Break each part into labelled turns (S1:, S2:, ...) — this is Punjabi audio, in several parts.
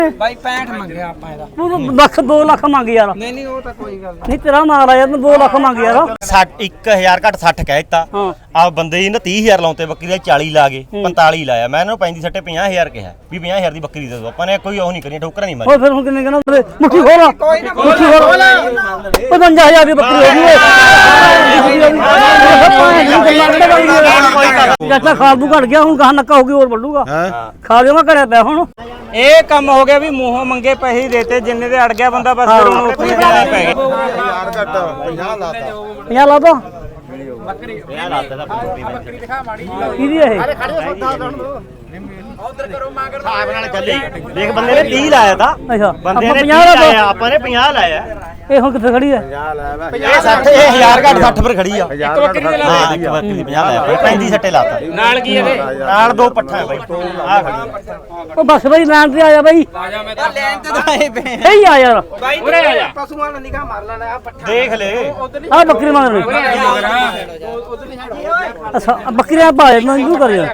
S1: ਬਾਈ 65 ਮੰਗਿਆ ਆਪਾਂ ਇਹਦਾ
S2: ਤੂੰ ਲੱਖ 2 ਲੱਖ ਮੰਗ ਯਾਰ।
S1: ਨਹੀਂ ਉਹ ਤਾਂ ਕੋਈ ਗੱਲ
S2: ਨਹੀਂ ਤੇਰਾ ਮਾਲ ਆ ਯਾਰ, ਤੂੰ 2 ਲੱਖ ਮੰਗ ਯਾਰ।
S3: 1000 ਘੱਟ 60 ਕਹਿ ਦਿੱਤਾ ਆ ਬੰਦੇ ਨੇ 30000 ਲਾਉਂਦੇ ਬੱਕਰੀ ਦੇ 40 ਲਾ ਗਏ 45 ਲਾਇਆ ਮੈਂ ਇਹਨਾਂ ਨੂੰ ਪੈਂਦੀ ਸੱਟੇ 50000 ਕਿਹਾ ਵੀ 50000 ਦੀ ਬੱਕਰੀ ਦੇ ਦੋ ਆਪਾਂ ਨੇ ਕੋਈ ਉਹ ਨਹੀਂ ਕਰੀ ਠੋਕਰਾਂ ਨਹੀਂ ਮਾਰੀ।
S2: ਹੋਰ ਫਿਰ ਹੁਣ ਕਿੰਨੇ ਕਹਿੰਦਾ ਮੁੱਠੀ ਖੋਲ ਮੁੱਠੀ ਖੋਲ 55000 ਦੀ ਬੱਕਰੀ ਹੋ ਗਈ ਚਾਚਾ ਖਾਲੂ ਘਟ ਗਿਆ ਹੁਣ ਗਾਹ ਨੱਕਾ ਹੋ ਗਈ ਹੋਰ ਵੱਡੂਗਾ ਖਾ ਲਿਓ ਮੈਂ ਘੜਿਆ ਪਿਆ ਹੁਣ।
S1: ਇਹ ਕੰਮ ਹੋ ਗਿਆ ਵੀ ਮੂੰਹੋਂ ਮੰਗੇ ਪੈਸੇ ਦੇਤੇ ਜਿੰਨੇ ਦੇ ਅੜ ਗਿਆ ਬੰਦਾ ਬਸ ਫਿਰ ਉਹਨੂੰ ਉੱਥੇ ਜਾਣਾ ਪੈ ਗਿਆ।
S2: 50 ਲਾ ਦੋ
S3: ਬੱਕਰੀ 50 ਲਾਤਾ ਦਾ ਬੱਕਰੀ
S2: ਦਿਖਾ ਮਾੜੀ ਕਿਹਦੀ ਇਹ
S1: ਉਧਰ ਕਰੋ ਮਾਗਰ
S3: ਹਿਸਾਬ ਨਾਲ ਚੱਲੀ ਦੇਖ ਬੰਦੇ ਨੇ 30 ਲਾਇਆ ਤਾਂ
S2: ਅੱਛਾ
S3: ਬੰਦੇ ਨੇ
S2: 50
S3: ਲਾਇਆ ਆਪਾਂ ਨੇ 50 ਲਾਇਆ
S2: ਇਹ ਹੁਣ ਕਿੱਥੇ ਖੜੀ ਹੈ?
S3: ਇਹ 60 ਇਹ 1000 ਘੱਟ 60 ਪਰ ਖੜੀ ਆ
S1: ਇੱਕ ਬੱਕਰੀ ਦੇ ਲਾ
S3: ਹਾਂ ਇੱਕ ਬੱਕਰੀ ਦੀ 50 ਲਾਇਆ 35 ਸੱਟੇ ਲਾਤਾ
S1: ਨਾਲ ਕੀ ਇਹਦੇ
S3: ਨਾਲ ਦੋ ਪੱਠਾ ਹੈ ਬਾਈ ਆ ਖੜੀ
S2: ਉਹ ਬਸ ਬਈ ਲੈਣ ਤੇ ਆਇਆ ਬਈ
S1: ਆ ਜਾ ਮੈਂ ਤਾਂ ਲੈਣ ਤੇ ਤਾਂ ਆਏ ਪਏ
S2: ਸਹੀ ਆ ਯਾਰ
S1: ਬਾਈ ਉਰੇ ਆ ਜਾ ਪਸ਼ੂਆਂ ਨੂੰ ਨਿਗਾਹ ਮਾਰ ਲੈਣਾ ਆ ਪੱਠਾ
S3: ਦੇਖ ਲੈ
S2: ਆ ਬੱਕਰੀ ਮੰਗ ਰਹੀ ਅੱਛਾ ਬੱਕਰੀਆਂ ਭਾਏ ਮੰਗੂ ਕਰ ਯਾਰ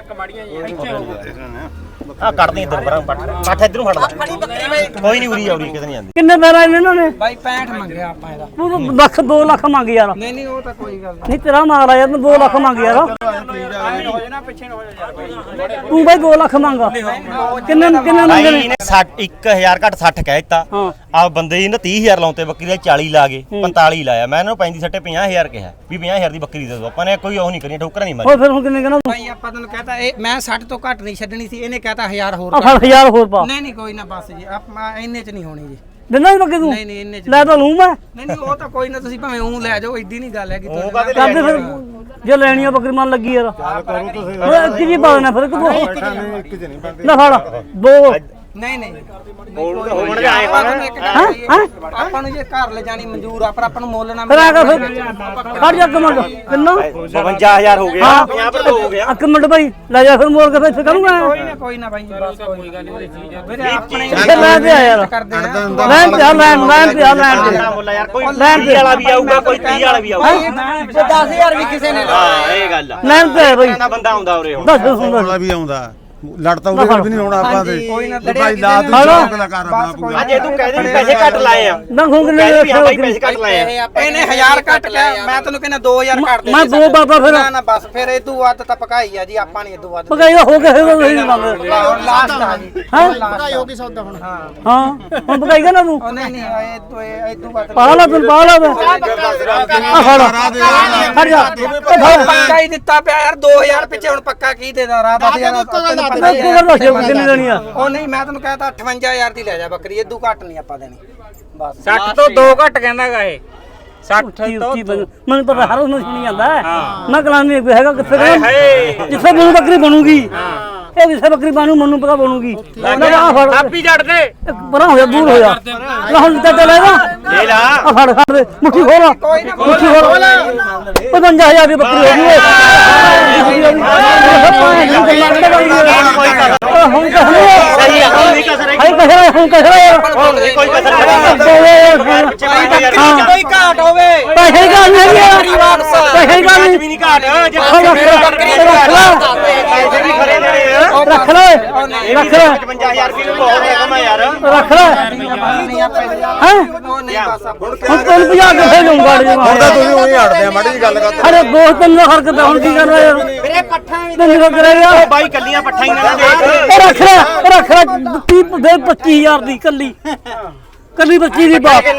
S3: ਆ ਕੱਢਦੇ ਇੱਧਰ ਪਰਾਂ ਪੱਠ ਇੱਧਰੋਂ ਫੜ ਲੈ ਕੋਈ ਨਹੀਂ ਉਰੀ ਆਉਰੀ ਕਿਤੇ ਨਹੀਂ ਜਾਂਦੀ।
S2: ਕਿੰਨੇ ਪੈਰਾ ਇਹਨਾਂ ਨੇ?
S1: ਬਾਈ 65 ਮੰਗਿਆ ਆਪਾਂ ਇਹਦਾ
S2: ਤੂੰ ਲੱਖ 2 ਲੱਖ ਮੰਗ ਯਾਰ।
S1: ਨਹੀਂ ਉਹ ਤਾਂ ਕੋਈ ਗੱਲ
S2: ਨਹੀਂ ਤੇਰਾ ਮਾਲ ਆ ਯਾਰ, ਤੂੰ 2 ਲੱਖ ਮੰਗ ਯਾਰ।
S1: ਨਹੀਂ ਹੋ ਜਾਣਾ ਪਿੱਛੇ ਹੋ ਜਾ
S2: ਤੂੰ ਬਈ 2 ਲੱਖ ਮੰਗ ਕਿੰਨੇ ਕਿੰਨੇ ਮੰਗੇ ਨੇ?
S3: 1000 ਘੱਟ 60 ਕਹਿ ਦਿੱਤਾ ਆ ਬੰਦੇ ਨੇ 30000 ਲਾਉਂਦੇ ਬੱਕਰੀ ਦੇ 40 ਲਾ ਗਏ 45 ਲਾਇਆ ਮੈਂ ਇਹਨਾਂ ਨੂੰ ਪੈਂਦੀ ਸੱਟੇ 50000 ਕਿਹਾ ਵੀ 50000 ਦੀ ਬੱਕਰੀ ਦੇ ਦੋ ਆਪਾਂ ਨੇ ਕੋਈ ਉਹ ਨਹੀਂ ਕਰੀ ਠੋਕਰਾਂ ਨਹੀਂ ਮਾਰੀ।
S2: ਹੋਰ ਫਿਰ ਹੁਣ ਕਿੰਨੇ ਕਹਿੰਦਾ?
S1: ਬਾਈ ਆਪਾਂ ਤੈਨੂੰ ਕਹਤਾ ਇਹ ਮੈਂ 60 ਤੋਂ ਘੱਟ ਨਹੀਂ ਛੱਡਣੀ ਸੀ ਇਹਨੇ ਕਹਤਾ 1000 ਹੋਰ
S2: ਆ ਫੜ 1000 ਹੋਰ ਪਾ।
S1: ਨਹੀਂ ਕੋਈ ਨਾ ਬਸ ਜੀ ਆਪਾਂ ਇੰਨੇ ਚ ਨਹੀਂ ਹੋਣੀ ਜੀ।
S2: ਦਿੰਦਾ ਨਹੀਂ ਬੱਕੇ ਤੂੰ?
S1: ਨਹੀਂ ਇੰਨੇ ਚ
S2: ਲੈ ਤਾਂ ਲੂੰ ਮੈਂ।
S1: ਨਹੀਂ ਉਹ ਤਾਂ ਕੋਈ ਨਾ ਤੁਸੀਂ ਭਾਵੇਂ ਉਹ ਲੈ ਜਾਓ ਏਡੀ ਨਹੀਂ ਗੱਲ ਹੈ ਕਿ
S2: ਕਰਦੇ ਫਿਰ ਜੇ ਲੈਣੀ ਆ ਬੱਕਰੀ ਮਨ ਲੱਗੀ ਯਾਰ ਇੱਕ ਜੀ ਪਾ ਦੇਣਾ ਫਿਰ ਇੱਕ ਦੋ ਨਾ ਫੜ ਦੋ
S1: ਨਹੀਂ
S3: ਹੋਣ ਜਾਏ
S1: ਆਪਾਂ ਨੂੰ ਜੇ ਘਰ ਲੈ ਜਾਣੀ ਮਨਜ਼ੂਰ ਆ ਪਰ ਆਪਾਂ ਨੂੰ ਮੁੱਲ ਨਾ
S2: ਫਿਰ ਆ ਫਿਰ ਖੜ ਜਾ ਕਮੰਡ ਕਿੰਨਾ
S3: 52000 ਹੋ ਗਿਆ 50 ਪਰ ਹੋ ਗਿਆ
S2: ਇੱਕ ਮਿੰਟ ਬਾਈ ਲੈ ਜਾ ਫਿਰ ਮੋੜ ਕੇ ਫਿਰ ਇੱਥੇ ਕਰੂੰਗਾ
S1: ਕੋਈ ਨਾ ਬਾਈ ਬਸ ਕੋਈ ਗੱਲ ਨਹੀਂ ਵੀਰੇ ਆਪਣੇ
S2: ਲੈ ਤੇ ਆ ਯਾਰ ਲੈਣ ਤੇ ਆ ਲੈਣ ਤੇ ਆ ਲੈਣ ਤੇ
S3: ਮੁੱਲਾ ਯਾਰ ਕੋਈ 20 ਵਾਲਾ ਵੀ ਆਊਗਾ ਕੋਈ 30 ਵਾਲਾ ਵੀ ਆਊਗਾ
S1: 10000 ਵੀ ਕਿਸੇ ਨੇ
S3: ਹਾਂ ਇਹ ਗੱਲ ਆ
S2: ਲੈਣ ਤੇ ਬਾਈ
S3: ਬੰਦਾ ਆਉਂਦਾ ਉਰੇ ਹੁਣ
S2: ਦੱਸ ਹੁੰਦਾ
S4: ਵੀ ਆਉਂਦਾ ਲੜਤਾ ਉਹਦੇ ਵੀ ਨਹੀਂ ਹੋਣਾ ਆਪਾਂ ਦੇ
S1: ਕੋਈ ਨਾ
S4: ਭਾਈ ਲਾ ਤੂੰ ਚੌਕ ਦਾ ਕਰ ਆਪਣਾ ਪੂਰਾ
S3: ਜੇ ਤੂੰ ਕਹਿ ਦੇ ਵੀ ਪੈਸੇ ਘੱਟ ਲਾਏ ਆ
S2: ਨਾ ਖੁੰਗ ਲੈ
S3: ਭਾਈ ਪੈਸੇ ਘੱਟ ਲਾਏ ਆ
S1: ਇਹਨੇ 1000 ਘੱਟ ਲਿਆ ਮੈਂ ਤੈਨੂੰ ਕਹਿੰਦਾ 2000 ਘੱਟ ਦੇ
S2: ਮੈਂ ਦੋ ਬਾਬਾ ਫਿਰ
S1: ਨਾ ਬਸ ਫਿਰ ਇਹ ਤੂੰ ਵੱਧ ਤਾਂ ਪਕਾਈ ਆ ਜੀ ਆਪਾਂ ਨਹੀਂ ਇਦੋਂ ਵੱਧ
S2: ਪਕਾਈ ਹੋ ਕੇ ਫਿਰ ਨਹੀਂ ਮੰਗ
S1: ਲਾਸਟ ਆ ਜੀ
S2: ਹਾਂ
S1: ਪਕਾਈ ਹੋ ਗਈ ਸੌਦਾ ਹੁਣ
S2: ਹਾਂ ਹੁਣ ਪਕਾਈਗਾ ਨਾ ਤੂੰ
S1: ਨਹੀਂ ਇਹ ਤੂੰ ਵੱਧ
S2: ਪਾ ਲਾ ਤੂੰ ਪਾ ਲਾ ਆ ਫੜ ਜਾ
S1: ਪੱਕਾ ਹੀ ਦਿੱਤਾ ਪਿਆ ਯਾਰ 2000 ਪਿੱਛੇ ਹੁਣ ਪੱਕਾ ਕੀ ਦੇਦਾ ਰਾਤ ਦਾ ਤੈਨੂੰ ਪਤਾ ਹੀ ਹੈ
S2: ਕਿੰਨੀ ਦੇਣੀ ਆ?
S1: ਉਹ ਨਹੀਂ ਮੈਂ ਤੈਨੂੰ ਕਹਿਤਾ 58000 ਦੀ ਲੈ ਜਾ ਬੱਕਰੀ ਇਦੋਂ ਘੱਟ ਨਹੀਂ ਆਪਾਂ ਦੇਣੀ ਬਸ
S5: 60 ਤੋਂ 2 ਘੱਟ ਕਹਿੰਦਾਗਾ ਇਹ 60 ਤੋਂ
S2: ਮੈਨੂੰ ਪਤਾ ਹਰ ਉਸ ਨੂੰ ਸੁਣੀ ਜਾਂਦਾ ਮੈਂ ਕਲਾਨੀ ਹੈਗਾ ਕਿੱਥੇ ਜਿੱਥੇ ਮੈਨੂੰ ਬੱਕਰੀ ਬਣੂਗੀ ਇਹ ਜਿੱਥੇ ਬੱਕਰੀ ਬਣੂ ਮੈਨੂੰ ਪਤਾ ਬਣੂਗੀ ਆ ਫੜ
S5: ਆਪੀ ਜੜ ਦੇ
S2: ਪਰਾਂ ਹੋ ਜਾ ਦੂਰ ਹੋ ਜਾ ਲੈ ਹੁਣ ਤੇ ਲੈ ਨਾ
S3: ਲੈ ਲਾ
S2: ਆ ਫੜ ਫੜ ਦੇ ਮੁੱਠੀ ਖੋਲ ਮੁੱਠੀ ਖੋਲ 55000 ਦੀ ਬੱਕਰੀ ਹੋ ਗਈ ਹੁਣ
S3: ਸਹੀ ਆ ਕੋਈ ਕਸਰ
S2: ਹਾਈ ਕਸਰ ਹੁਣ ਕਸਰ
S3: ਕੋਈ ਕਸਰ
S1: ਕੋਈ ਘਾਟ ਹੋਵੇ
S2: ਪੈਸੇ ਗੱਲ ਨਹੀਂ ਹੈ ਪੈਸੇ ਗੱਲ ਨਹੀਂ
S3: ਵੀ ਨਹੀਂ ਘਾਟ ਜੇ
S2: ਪੈਸੇ
S3: ਵੀ ਖਰੇ ਦੇਣੇ ਆ
S2: ਰੱਖ ਲੈ ਰੱਖ ਲੈ
S3: 55000 ਰੁਪਏ ਬਹੁਤ ਹੈ ਕਮਾ ਯਾਰ
S2: ਰੱਖ ਲੈ ਹੈ
S1: ਉਹ ਨਹੀਂ ਬਸ
S2: ਹੁਣ ਤੈਨੂੰ 50 ਕਿੱਥੇ ਲਊਂਗਾ
S4: ਹੁਣ ਤਾਂ ਤੁਸੀਂ ਉਹੀ ਹਟਦੇ ਆ ਮਾੜੀ ਜੀ ਗੱਲ ਕਰ
S2: ਅਰੇ ਦੋਸਤ ਤੈਨੂੰ ਹਰਕਤ ਹੁਣ ਕੀ ਕਰਨਾ ਯਾਰ
S1: ਵੀਰੇ ਪੱਠਾ ਵੀ
S2: ਤੈਨੂੰ ਕੀ ਕਰੇਗਾ
S3: ਬਾਈ ਕੱਲੀਆਂ ਪੱਠਾ ਹੀ ਨਾ ਦੇਖ
S2: ਰੱਖ ਲੈ 25000 ਦੀ ਕੱਲੀ 25 ਦੀ ਬਾਤ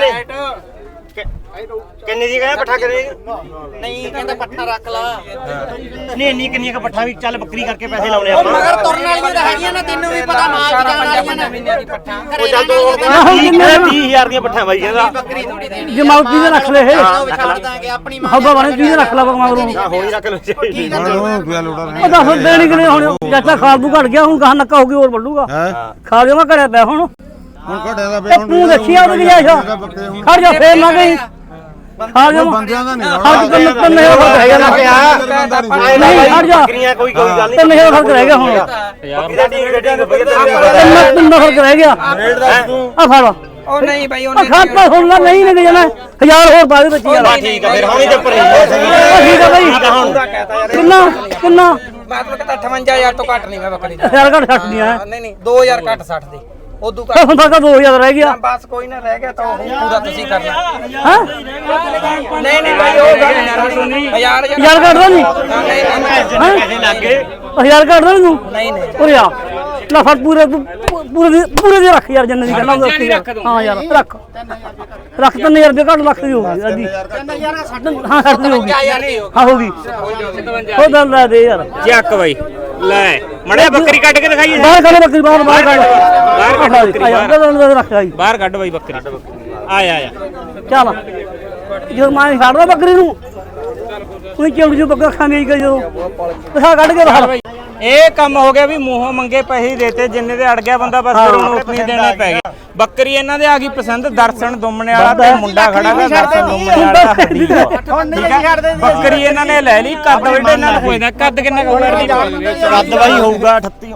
S3: ਕਿੰਨੇ ਦੀ ਕਹਿੰਦਾ ਪੱਠਾ ਕਰੇ
S1: ਨਹੀਂ ਕਹਿੰਦਾ ਪੱਠਾ ਰੱਖ ਲਾ
S3: ਨਹੀਂ ਇੰਨੀ ਕਿੰਨੀਆਂ ਕ ਪੱਠਾ ਵੀ ਚੱਲ ਬੱਕਰੀ ਕਰਕੇ ਪੈਸੇ ਲਾਉਣੇ ਆਪਾਂ
S1: ਮਗਰ ਤੁਰਨ ਵਾਲੀਆਂ ਤਾਂ ਹੈਗੀਆਂ ਨਾ ਤੈਨੂੰ ਵੀ ਪਤਾ ਮਾਲ ਜਾਣ ਵਾਲੀਆਂ ਨਾ ਮਹੀਨੇ ਦੀ ਪੱਠਾ
S3: ਉਹ ਚੱਲ ਤੂੰ 20000 ਦੀਆਂ ਪੱਠਾਂ ਬਾਈ ਕਹਿੰਦਾ
S1: ਬੱਕਰੀ ਥੋੜੀ ਦੇਣੀ
S2: ਜਮਾਉਤੀ ਦੇ ਰੱਖ ਲੈ ਇਹ
S1: ਛੱਡ ਦਾਂਗੇ ਆਪਣੀ
S2: ਹੱਬਾ ਬਣੇ ਕੀ ਰੱਖ ਲੈ ਮਗਰੋਂ
S3: ਹੋਣੀ ਰੱਖ ਲੋ
S4: ਹੁਣ ਉਹ ਪਿਆ ਲੋੜਾ ਨਹੀਂ
S2: ਉਹ ਦੱਸ ਦੇਣੀ ਕਿ ਨਹੀਂ ਹੁਣ ਚਾਚਾ ਖਾਲੂ ਘਟ ਗਿਆ ਹੁਣ ਗਾਹ ਨੱਕਾ ਹੋ ਗਈ ਹੋਰ ਵੱਡੂਗਾ
S4: ਹੈ
S2: ਖਾ ਲਿਓ ਮੈਂ ਘੜਿਆ ਪਿਆ ਹੁਣ
S4: ਹੁਣ ਘਟਿਆ ਦਾ
S2: ਤੇ ਤੂੰ ਦੇਖਿਆ ਉਹਦੀ ਜਾਇਸ਼ਾ ਖੜ ਜਾ ਫੇਰ ਨਾ ਗਈ ਖਾ ਲਿਓ
S4: ਬੰਦਿਆਂ ਦਾ ਨਹੀਂ
S2: ਹਰ ਤਿੰਨ ਹਜ਼ਾਰ ਫਰਕ ਰਹਿ ਗਿਆ ਨਾ ਨਹੀਂ ਖੜ ਜਾ
S3: ਬੱਕਰੀਆਂ ਕੋਈ ਗੱਲ ਨਹੀਂ
S2: 3000 ਫਰਕ ਰਹਿ ਗਿਆ ਹੁਣ
S3: ਬੱਕਰੀ ਦਾ ਢੀਂਗ ਦੇ ਢੀਂਗ
S2: ਤਿੰਨ ਫਰਕ ਰਹਿ ਗਿਆ ਆ ਫੜ
S1: ਉਹ ਨਹੀਂ ਬਾਈ
S2: ਆ ਖਾਤਾ ਸੁਣ ਲੈ ਨਹੀਂ ਨਿਕ ਜਾਣਾ 1000 ਹੋਰ ਪਾ ਦੇ ਬੱਚੀ ਯਾਰ
S3: ਠੀਕ ਆ ਫਿਰ ਹੁਣੀ ਤੇ ਉੱਪਰ
S2: ਠੀਕ ਆ ਬਈ ਕਿੰਨਾ ਕਿੰਨਾ
S1: ਮੈਂ ਤੁਹਾਨੂੰ ਕਹਿੰਦਾ 58000 ਤੋਂ ਘੱਟ ਨਹੀਂ ਮੈਂ ਬੱਕਰੀ ਦਾ
S2: 1000 ਘੱਟ ਛੱਡਦੀਆਂ
S1: ਨਹੀਂ 2000 ਘੱਟ 60 ਦੀ ਉਦੋਂ
S2: ਹੁਣ ਤੱਕ 2000 ਰਹਿ ਗਿਆ
S1: ਬਸ ਕੋਈ ਨਾ ਰਹਿ ਗਿਆ ਤਾਂ ਉਹ ਪੂਰਾ ਤੁਸੀਂ ਕਰਨਾ
S2: ਹਾਂ
S1: ਨਹੀਂ ਨਹੀਂ ਭਾਈ ਉਹ ਗੱਲ ਨਹੀਂ ਹਜ਼ਾਰ
S2: ਯਾਰ ਕੱਢਦਾ ਨਹੀਂ
S3: ਪੈਸੇ ਲੱਗ ਗਏ
S2: 1000 ਕੱਢਦਾ ਨਹੀਂ ਤੂੰ
S1: ਨਹੀਂ ਨਹੀਂ
S2: ਉਰੇ ਆ ਲੈ ਫੜ ਪੂਰੇ ਦੇ ਰੱਖ ਯਾਰ ਜਿੰਨੇ ਦੀ ਕਰਨਾ ਹਾਂ ਯਾਰ ਰੱਖ 3000 ਰੁਪਏ ਕੱਢ ਲੱਖ ਦੀ ਹੋਊਗੀ ਅੱਧੀ ਹਾਂ 60 ਦੀ ਹੋਊਗੀ ਹਾਂ ਹੋਊਗੀ ਉਹ ਗੱਲ ਲੈ ਦੇ ਯਾਰ
S5: ਚੱਕ ਬਾਈ ਲੈ ਮੜਿਆ ਬੱਕਰੀ ਕੱਢ ਕੇ ਦਿਖਾਈਏ
S2: ਬਾਹਰ ਕੱਢ ਬੱਕਰੀ ਬਾਹਰ ਕੱਢ
S5: ਬਾਹਰ ਕੱਢ ਬੱਕਰੀ ਬਾਹਰ।
S2: ਰੱਖ ਆਈ
S5: ਬਾਹਰ ਕੱਢ ਬਾਈ ਬੱਕਰੀ ਆਇਆ
S2: ਚੱਲ ਜਦੋਂ ਮੈਂ ਛੱਡਦਾ ਬੱਕਰੀ ਨੂੰ ਉਹਨੇ ਕਿਉਂ ਜੋ ਬੱਕਰਾ ਖਾਂਦੀ ਗਈ ਜਦੋਂ ਪਸਾ ਕੱਢ ਕੇ ਬਾਹਰ
S5: ਇਹ ਕੰਮ ਹੋ ਗਿਆ ਵੀ ਮੂੰਹੋਂ ਮੰਗੇ ਪੈਸੇ ਦੇਤੇ ਜਿੰਨੇ ਦੇ ਅੜ ਗਿਆ ਬੰਦਾ ਬਸ ਫਿਰ ਉਹਨੂੰ ਉਤਨੀ ਦੇਣੇ ਪੈ ਗਏ ਬੱਕਰੀ ਇਹਨਾਂ ਦੇ ਆ ਗਈ ਪਸੰਦ ਦਰਸ਼ਨ ਦੁੰਮਣੇ ਵਾਲਾ ਤੇ ਮੁੰਡਾ ਖੜਾ ਦਾ ਦਰਸ਼ਨ ਦੁੰਮਣੇ ਵਾਲਾ ਬੱਕਰੀ ਇਹਨਾਂ ਨੇ ਲੈ ਲਈ ਕੱਦ ਵੱਡੇ ਇਹਨਾਂ ਨੂੰ ਪੁੱਛਦਾ ਕੱਦ ਕਿੰਨਾ ਕੁ ਹੋਣਾ
S3: ਕੱਦ ਬਾਈ ਹੋਊਗਾ 38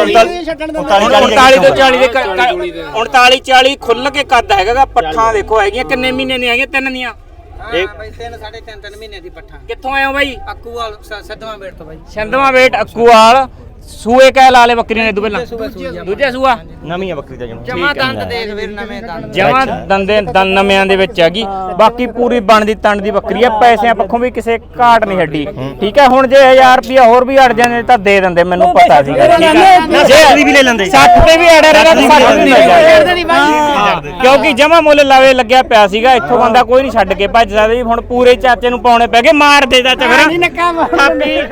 S3: 39
S5: 39 ਤੋਂ 40 ਦੇ 39 40 ਖੁੱਲ ਕੇ ਕੱਦ ਹੈਗਾ ਪੱਠਾਂ ਦੇਖੋ ਹੈਗੀਆਂ ਕਿੰਨੇ ਮਹੀਨੇ ਦੀਆਂ ਹੈਗੀਆਂ ਤਿੰਨ ਦੀਆਂ
S1: ਇਹ ਬਾਈ 3.5 ਮਹੀਨੇ ਦੀ ਪੱਠਾ
S5: ਕਿੱਥੋਂ ਆਏ ਹੋ ਬਾਈ
S1: ਅੱਕੂਵਾਲ ਸੱਦਵਾਂ ਬੇਟ ਤੋਂ ਬਾਈ
S5: ਛੰਦਵਾ ਵੇਟ ਅੱਕੂਵਾਲ ਸੂਏ ਕਹਿ ਲਾ ਲੈ ਬੱਕਰੀਆਂ ਨੇ ਇਦੋਂ ਪਹਿਲਾਂ ਦੂਜਾ ਸੂਆ
S3: ਨਵੀਂ ਆ ਬੱਕਰੀ ਦਾ ਜਨਮ
S1: ਜਮਾ ਦੰਦ ਦੇਖ ਵੀਰ ਨਵੇਂ ਦੰਦ
S5: ਜਮਾਂ ਦੰਦ ਨਵਿਆਂ ਦੇ ਵਿੱਚ ਹੈਗੀ ਬਾਕੀ ਪੂਰੀ ਬਣਦੀ ਤਣ ਦੀ ਬੱਕਰੀ ਆ ਪੈਸਿਆਂ ਪੱਖੋਂ ਵੀ ਕਿਸੇ ਘਾਟ ਨਹੀਂ ਛੱਡੀ ਠੀਕ ਹੈ ਹੁਣ ਜੇ 1000 ਰੁਪਿਆ ਹੋਰ ਵੀ ਅੜ ਜਾਂਦੇ ਤਾਂ ਦੇ ਦਿੰਦੇ ਮੈਨੂੰ ਪਤਾ ਸੀਗਾ ਠੀਕ ਹੈ
S3: ਜੇ ਵੀ ਲੈ ਲੈਂਦੇ
S5: 60 ਤੇ ਵੀ ਅੜਿਆ ਰਹਿਣਾ ਤਾਂ 60 ਵੀ ਮਿਲ ਜਾਏ ਕਿਉਂਕਿ ਜਮਾ ਮੁੱਲ ਲਾਵੇ ਲੱਗਿਆ ਪਿਆ ਸੀਗਾ ਇੱਥੋਂ ਬੰਦਾ ਕੋਈ ਨਹੀਂ ਛੱਡ ਕੇ ਭੱਜ ਸਕਦਾ ਜੀ ਹੁਣ ਪੂਰੇ ਚਾਚੇ ਨੂੰ ਪਾਉਣੇ ਪੈ ਗਏ ਮਾਰ ਦੇ ਚਾਚਾ ਫਿਰ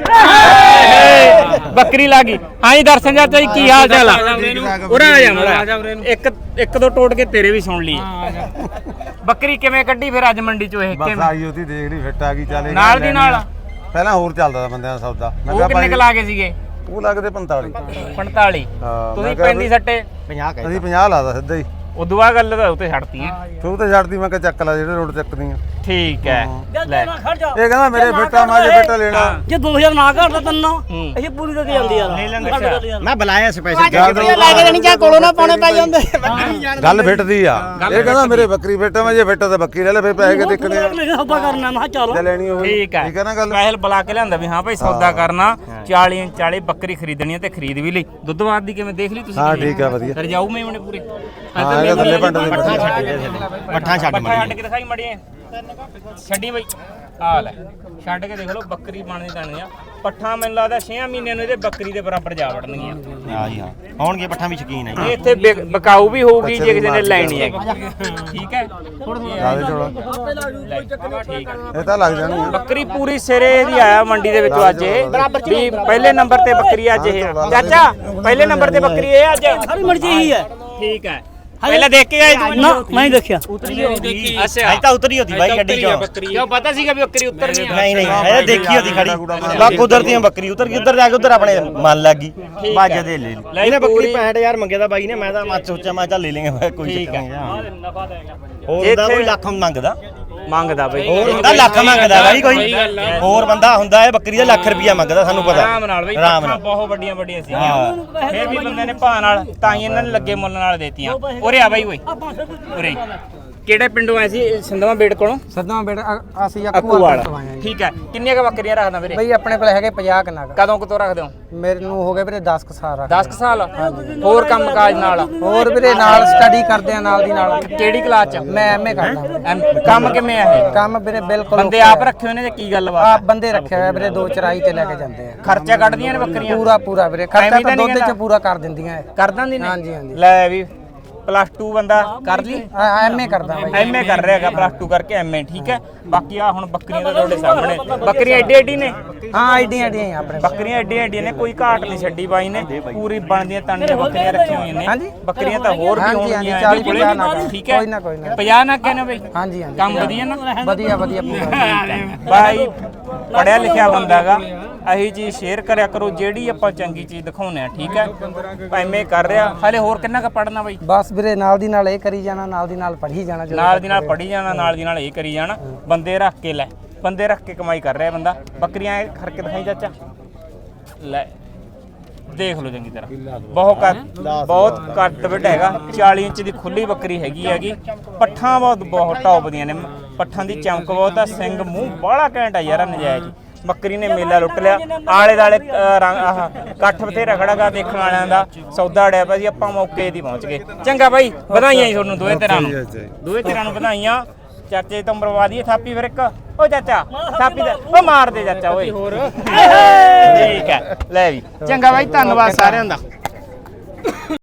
S5: ਬੱਕਰੀ ਲੱਗੀ ਹਾਂਜੀ ਦਰਸ਼ਨ ਚਾਚਾ ਜੀ ਕੀ ਹਾਲ ਚਾਲ ਆ ਉਰਾ ਆ ਜਾ ਮੜਾ ਇੱਕ ਦੋ ਟੋਟ ਕੇ ਤੇਰੇ ਵੀ ਸੁਣ ਲਈ ਬੱਕਰੀ ਕਿਵੇਂ ਕੱਢੀ ਫਿਰ ਅੱਜ ਮੰਡੀ ਚੋਂ ਇਹ
S4: ਬਸ
S5: ਕਿਵੇਂ
S4: ਆਈ ਉਹਦੀ ਦੇਖ ਲਈ ਫਿੱਟ ਆ ਗਈ ਚੱਲ
S5: ਨਾਲ ਦੀ ਨਾਲ
S4: ਪਹਿਲਾਂ ਹੋਰ ਚੱਲਦਾ ਬੰਦਿਆਂ ਦਾ ਸੌਦਾ ਮੈਂ
S5: ਉਹ
S4: ਕਿਹਾ
S5: ਕਿੰਨੇ ਕ ਲਾ ਕੇ ਸੀਗੇ
S4: ਉਹ ਲੱਗਦੇ 45
S5: 45
S4: ਹਾਂ,
S5: ਤੁਸੀਂ
S4: ਮੈਂ ਕਿਹਾ
S5: 35 ਸੱਟੇ
S3: 50
S4: ਅਸੀਂ 50 ਲਾਦਾ ਸਿੱਧਾ ਹੀ
S5: ਉਦੋਂ ਬਾਅਦ ਗੱਲ ਤਾਂ ਉੱਤੇ ਛੱਡਤੀ ਹੈ
S4: ਤੂੰ ਤੇ ਛੱਡਦੀ ਮੈਂ ਕਿਹਾ ਚੱਕ ਲੈ ਜਿਹੜੇ ਰੋਡ ਚੱਕਦੀਆਂ
S5: ਠੀਕ ਹੈ ਲੈ
S2: ਖੜ ਜਾ
S4: ਇਹ ਕਹਿੰਦਾ ਮੇਰੇ ਬੇਟਾ ਮੈਂ ਜੇ ਬੇਟਾ ਲੈਣਾ
S2: ਜੇ 2000 ਨਾ ਘਟਦਾ ਤੰਨਾ ਇਹ ਪੂਰੀ ਕਰਕੇ ਜਾਂਦੀ ਯਾਰ
S3: ਮੈਂ ਬੁਲਾਇਆ ਸਪੈਸ਼ਲ
S4: ਗੱਲ ਫਿੱਟਦੀ ਆ ਇਹ ਕਹਿੰਦਾ ਮੇਰੇ ਬੱਕਰੀ ਬੇਟਾ ਮੈਂ ਜੇ ਬੇਟਾ ਤਾਂ ਬੱਕਰੀ ਲੈ ਲੈ ਫਿਰ ਪੈਸੇ ਕਿ ਦੇਖਣੇ ਆ
S2: ਸੌਦਾ ਕਰਨਾ ਮੈਂ ਕਿਹਾ ਚੱਲ
S4: ਜੇ ਲੈਣੀ ਹੋਵੇ
S5: ਠੀਕ ਹੈ
S4: ਠੀਕ ਹੈ ਨਾ ਗੱਲ
S5: ਪਹਿਲ ਬੁਲਾ ਕੇ ਲਿਆਂਦਾ ਵੀ ਹਾਂ ਭਾਈ ਸੌਦਾ ਕਰਨਾ 40 ਬੱਕਰੀ ਖਰੀਦਣੀ ਹੈ ਤੇ ਖਰੀਦ ਵੀ ਲਈ ਦੁੱਧ ਬਾਦ ਦੀ ਕਿਵੇਂ ਦੇਖ ਲਈ ਤੁਸੀਂ
S4: ਹਾਂ ਠੀਕ ਆ ਵਧੀਆ
S5: ਫਿਰ ਜਾਊ ਮੈਂ ਉਹਨੇ ਪੂਰੇ
S4: ਹਾਂ ਇਹ ਥੱਲੇ ਭਾਂਡੇ ਦੇ
S3: ਪੱਠਾ ਛੱਡ
S5: ਛੱਡ ਕੇ ਦਿਖਾਈ ਮੜੀਏ ਛੱਡੀ ਬਈ ਆ ਲੈ ਛੱਡ ਕੇ ਦੇਖ ਲਓ ਬੱਕਰੀ ਬਣਦੀ ਤਾਣੀ ਆ ਪੱਠਾ ਮੈਨੂੰ ਲੱਗਦਾ 6 ਮਹੀਨਿਆਂ ਨੂੰ ਇਹਦੇ ਬੱਕਰੀ ਦੇ ਬਰਾਬਰ ਜਾ ਵੜਨਗੀਆਂ
S3: ਹਾਂ ਜੀ ਹਾਂ ਆਉਣਗੇ ਪੱਠਾ ਵੀ ਸ਼ਕੀਨ ਹੈ
S5: ਇਹ ਇੱਥੇ ਬਕਾਊ ਵੀ ਹੋਊਗੀ ਜੇ ਕਿਸੇ ਨੇ ਲੈਣੀ ਹੈਗੀ ਠੀਕ ਹੈ
S4: ਜਿਆਦਾ ਥੋੜਾ
S5: ਠੀਕ ਹੈ
S4: ਇਹ ਤਾਂ ਲੱਗ ਜਾਣੀ ਆ।
S5: ਬੱਕਰੀ ਪੂਰੀ ਸਿਰੇ ਦੀ ਆਇਆ ਮੰਡੀ ਦੇ ਵਿੱਚ ਅੱਜ ਇਹ ਵੀ ਪਹਿਲੇ ਨੰਬਰ ਤੇ ਬੱਕਰੀ ਅੱਜ ਇਹ ਚਾਚਾ ਪਹਿਲੇ ਨੰਬਰ ਤੇ ਬੱਕਰੀ ਇਹ ਅੱਜ
S2: ਸਾਰੀ ਮਰਜ਼ੀ ਇਹੀ ਹੈ
S5: ਠੀਕ ਹੈ ਪਹਿਲਾਂ ਦੇਖ ਕੇ ਆਏ ਤੂੰ
S2: ਨਾ ਮੈਂ ਹੀ ਦੇਖਿਆ
S5: ਅੱਛਾ
S3: ਅੱਜ ਤਾਂ ਉਤਰੀ ਹੁੰਦੀ ਬਾਈ ਗੱਡੀ ਚੋਂ
S5: ਕਿਉਂ ਪਤਾ ਸੀਗਾ ਵੀ ਬੱਕਰੀ ਉਤਰਨੀ ਆ
S3: ਨਹੀਂ ਇਹ ਦੇਖੀ ਹੁੰਦੀ ਖੜੀ ਬਾ ਕੁਦਰਤੀਆਂ ਬੱਕਰੀ ਉਤਰ ਗਈ ਉਧਰ ਜਾ ਕੇ ਉਧਰ ਆਪਣੇ ਮਨ ਲੱਗ ਗਈ ਬਾਜਾ ਦੇ ਲੈ ਲਈ ਇਹਨੇ ਬੱਕਰੀ 65000 ਮੰਗਿਆ ਤਾਂ ਬਾਈ ਨੇ ਮੈਂ ਤਾਂ ਮੱਚ ਸੋਚਿਆ ਮੈਂ ਚੱਲ ਲੈ ਲੇਂਗੇ ਮੈਂ ਕੋਈ
S5: ਠੀਕ
S3: ਚੱਕਰ
S5: ਹੈ
S3: ਨਹੀਂ
S5: ਨਫਾ ਦੇਗਾ
S3: ਹੋਰ ਦਾ ਕੋਈ ਲੱਖ ਮੰਗਦਾ
S5: ਮੰਗਦਾ ਬਈ
S3: ਹੋਰ ਹੁੰਦਾ ਲੱਖ ਮੰਗਦਾ ਬਾਈ ਕੋਈ ਹੋਰ ਬੰਦਾ ਹੁੰਦਾ ਇਹ ਬੱਕਰੀ ਦਾ ਲੱਖ ਰੁਪਿਆ ਮੰਗਦਾ ਸਾਨੂੰ ਪਤਾ
S5: ਆਰਾਮ ਨਾਲ ਬਈ
S3: ਆਰਾਮ
S5: ਪੱਠਾਂ
S3: ਨਾਲ
S5: ਬਹੁਤ ਵੱਡੀਆਂ ਵੱਡੀਆਂ ਸੀਗੀਆਂ ਫਿਰ ਵੀ ਬੰਦੇ ਨੇ ਭਾਅ ਨਾਲ ਤਾਂ ਹੀ ਇਹਨਾਂ ਨੇ ਲੱਗੇ ਮੁੱਲ ਨਾਲ ਦੇਤੀਆਂ ਉਰੇ ਆ ਬਾਈ ਓਏ ਉਰੇ ਕਿਹੜੇ ਪਿੰਡੋਂ ਆਏ ਸੀ ਸੰਧਵਾ ਬੇੜ ਕੋਲੋਂ
S1: ਸੱਦਵਾਂ ਬੇਟ ਅਸੀਂ
S5: ਅੱਕੂਵਾਲ
S1: ਅੱਕੂਵਾਲ ਤੋਂ ਆਏ ਆ ਜੀ
S5: ਠੀਕ ਹੈ ਕਿੰਨੀਆਂ ਕ ਬੱਕਰੀਆਂ ਰੱਖਦਾ ਵੀਰੇ
S1: ਬਈ ਆਪਣੇ ਕੋਲ ਹੈਗੇ 50 ਕਨਾਗ
S5: ਕਦੋਂ ਕਦੋਂ ਰੱਖਦੇ ਹੋ
S1: ਮੇਰੇ ਨੂੰ ਹੋ ਗਏ ਵੀਰੇ 10 ਕੁ ਸਾਲ
S5: 10 ਸਾਲ ਹੋਰ ਕੰਮ ਕਾਜ ਨਾਲ
S1: ਹੋਰ ਵੀਰੇ ਨਾਲ ਸਟੱਡੀ ਕਰਦੇ ਆ ਨਾਲ ਦੀ ਨਾਲ
S5: ਕਿਹੜੀ ਕਲਾਸ ਚ
S1: ਮੈਂ ਐਮਏ ਕਰਦਾ
S5: ਕੰਮ ਕਿਵੇਂ ਆ ਇਹ
S1: ਕੰਮ ਵੀਰੇ ਬਿਲਕੁਲ
S5: ਬੰਦੇ ਆਪ ਰੱਖੇ ਹੋਏ ਨੇ ਜਾਂ ਕੀ ਗੱਲਬਾਤ
S1: ਆਪ ਬੰਦੇ ਰੱਖੇ ਹੋਏ ਆ ਵੀਰੇ ਦੋ ਚਰਾਈ ਤੇ ਲੈ ਕੇ ਜਾਂਦੇ ਆ
S5: ਖਰਚਾ ਕੱਢਦੀਆਂ ਨੇ ਬੱਕਰੀਆਂ
S1: ਪੂਰਾ ਵੀਰੇ ਖਰਚਾ
S5: ਐਵੇਂ ਤਾਂ
S1: ਤਾਂ
S5: ਨਹੀਂ
S1: ਦੁੱਧ ਚ
S5: ਕਹਿੰਦਾ।
S1: ਪੂਰਾ ਕਰ ਦਿੰਦੀਆਂ ਇਹ
S5: ਕਰ ਦਿੰਦੀ ਨੇ
S1: ਹਾਂਜੀ ਹਾਂਜੀ
S5: ਲੈ ਵੀ ਪਲੱਸ 2 ਬੰਦਾ ਕਰ ਲਈ
S1: ਐਮਏ ਕਰਦਾ ਬਾਈ
S5: ਐਮਏ ਕਰ ਰਿਹਾ ਹੈਗਾ ਪਲੱਸ 2 ਕਰਕੇ ਐਮਏ ਠੀਕ ਹੈ ਬਾਕੀ ਆ ਹੁਣ ਬੱਕਰੀਆਂ ਦਾ ਤੁਹਾਡੇ ਸਾਹਮਣੇ ਬੱਕਰੀਆਂ ਐਡੀ ਐਡੀ ਨੇ
S1: ਹਾਂ ਆਈਡੀਆਂ ਆਪਣੇ
S5: ਬੱਕਰੀਆਂ ਐਡੀਆਂ ਐਡੀਆਂ ਨੇ ਕੋਈ ਘਾਟ ਨਹੀਂ ਛੱਡੀ ਬਾਈ ਨੇ ਪੂਰੀ ਬਣਦੀਆਂ ਤਣੀਆਂ ਬੱਕਰੀਆਂ ਰੱਖੀਆਂ ਹੋਈਆਂ ਨੇ
S1: ਹਾਂਜੀ।
S5: ਬੱਕਰੀਆਂ ਤਾਂ ਹੋਰ ਵੀ
S1: ਹਾਂਜੀ,
S5: ਹੋਣਗੀਆਂ
S1: 40
S5: ਇਹਦੇ ਕੋਲੇ।
S1: 50 ਨਾ
S5: ਠੀਕ ਹੈ
S1: ਕੋਈ ਨਾ, ਕੋਈ ਨਾ।
S5: 50 ਨਾ ਕਹਿੰਦੇ ਬਈ
S1: ਹਾਂਜੀ ਹਾਂਜੀ
S5: ਕੰਮ ਵਧੀਆ ਨਾ
S1: ਵਧੀਆ ਪੂਰਾ
S5: ਬਾਈ ਪੜਿਆ ਲਿਖਿਆ ਬੰਦਾਗਾ ਅਹੀ ਚੀਜ਼ ਸ਼ੇਅਰ ਕਰਿਆ ਕਰੋ ਜਿਹੜੀ ਆਪਾਂ ਚੰਗੀ ਚੀਜ਼ ਦਿਖਾਉਂਦੇ ਆ ਠੀਕ ਹੈ ਐਮਏ ਕਰ ਰਿਹਾ ਹਲੇ ਹੋਰ ਕਿੰਨਾ ਕ ਪੜਨਾ ਬਾਈ
S1: ਬਸ ਵੀਰੇ ਨਾਲ ਦੀ ਨਾਲ ਇਹ ਕਰੀ ਜਾਣਾ ਨਾਲ ਦੀ ਨਾਲ ਪੜ੍ਹੀ ਜਾਣਾ ਜਦੋਂ
S5: ਨਾਲ ਦੀ ਨਾਲ ਪੜੀ ਜਾਣਾ ਨਾਲ ਦੀ ਨਾਲ ਇਹ ਕਰੀ ਜਾਣਾ ਬੰਦੇ ਰੱਖ ਕੇ ਲੈ ਬੰਦੇ ਰੱਖ ਕੇ ਕਮਾਈ ਕਰ ਰਿਹਾ ਬੰਦਾ ਬੱਕਰੀਆਂ ਐ ਕਰਕੇ ਦਿਖਾਈ ਚਾਚਾ ਲੈ ਦੇਖ ਲਓ ਚੰਗੀ ਤਰ੍ਹਾਂ ਬਹੁਤ ਘੱਟ ਵੱਡਾ ਹੈਗਾ 40 ਇੰਚ ਦੀ ਖੁੱਲੀ ਬੱਕਰੀ ਹੈਗੀ ਪੱਠਾਂ ਬਹੁਤ ਟੌਪ ਦੀਆਂ ਨੇ ਪੱਠਾਂ ਦੀ ਚਮਕ ਬਹੁਤ ਆ ਸਿੰਘ ਮੂੰਹ ਬਾਹਲਾ ਘੈਂਟ ਆ ਯਾਰ ਨਜਾਇਜ਼ ਬੱਕਰੀ ਨੇ ਮੇਲਾ ਲੁੱਟ ਲਿਆ। ਆਲੇ ਦਾਲੇ ਇਕੱਠ ਬਥੇਰਾ ਖੜਾਗਾ ਦੇਖਣ ਵਾਲਿਆਂ ਦਾ, ਸੌਦਾ ਅੜਿਆ ਪਿਆ ਸੀ। ਆਪਾਂ ਮੌਕੇ ਦੀ ਪਹੁੰਚ ਗਏ। ਚੰਗਾ ਬਾਈ, ਵਧਾਈਆਂ ਜੀ ਤੁਹਾਨੂੰ ਦੋਵੇਂ ਧਿਰਾਂ ਨੂੰ, ਦੋਵੇਂ ਧਿਰਾਂ ਨੂੰ ਵਧਾਈਆਂ। ਚਾਚੇ ਤੋਂ ਮਰਵਾ ਦਈਏ ਥਾਪੀ ਫਿਰ ਇੱਕ। ਓ ਚਾਚਾ ਥਾਪੀ ਦਾ ਓ ਮਾਰ ਦੇ ਚਾਚਾ ਓਏ। ਠੀਕ ਹੈ ਲੈ ਵੀ, ਚੰਗਾ ਬਾਈ, ਧੰਨਵਾਦ ਸਾਰਿਆਂ ਦਾ।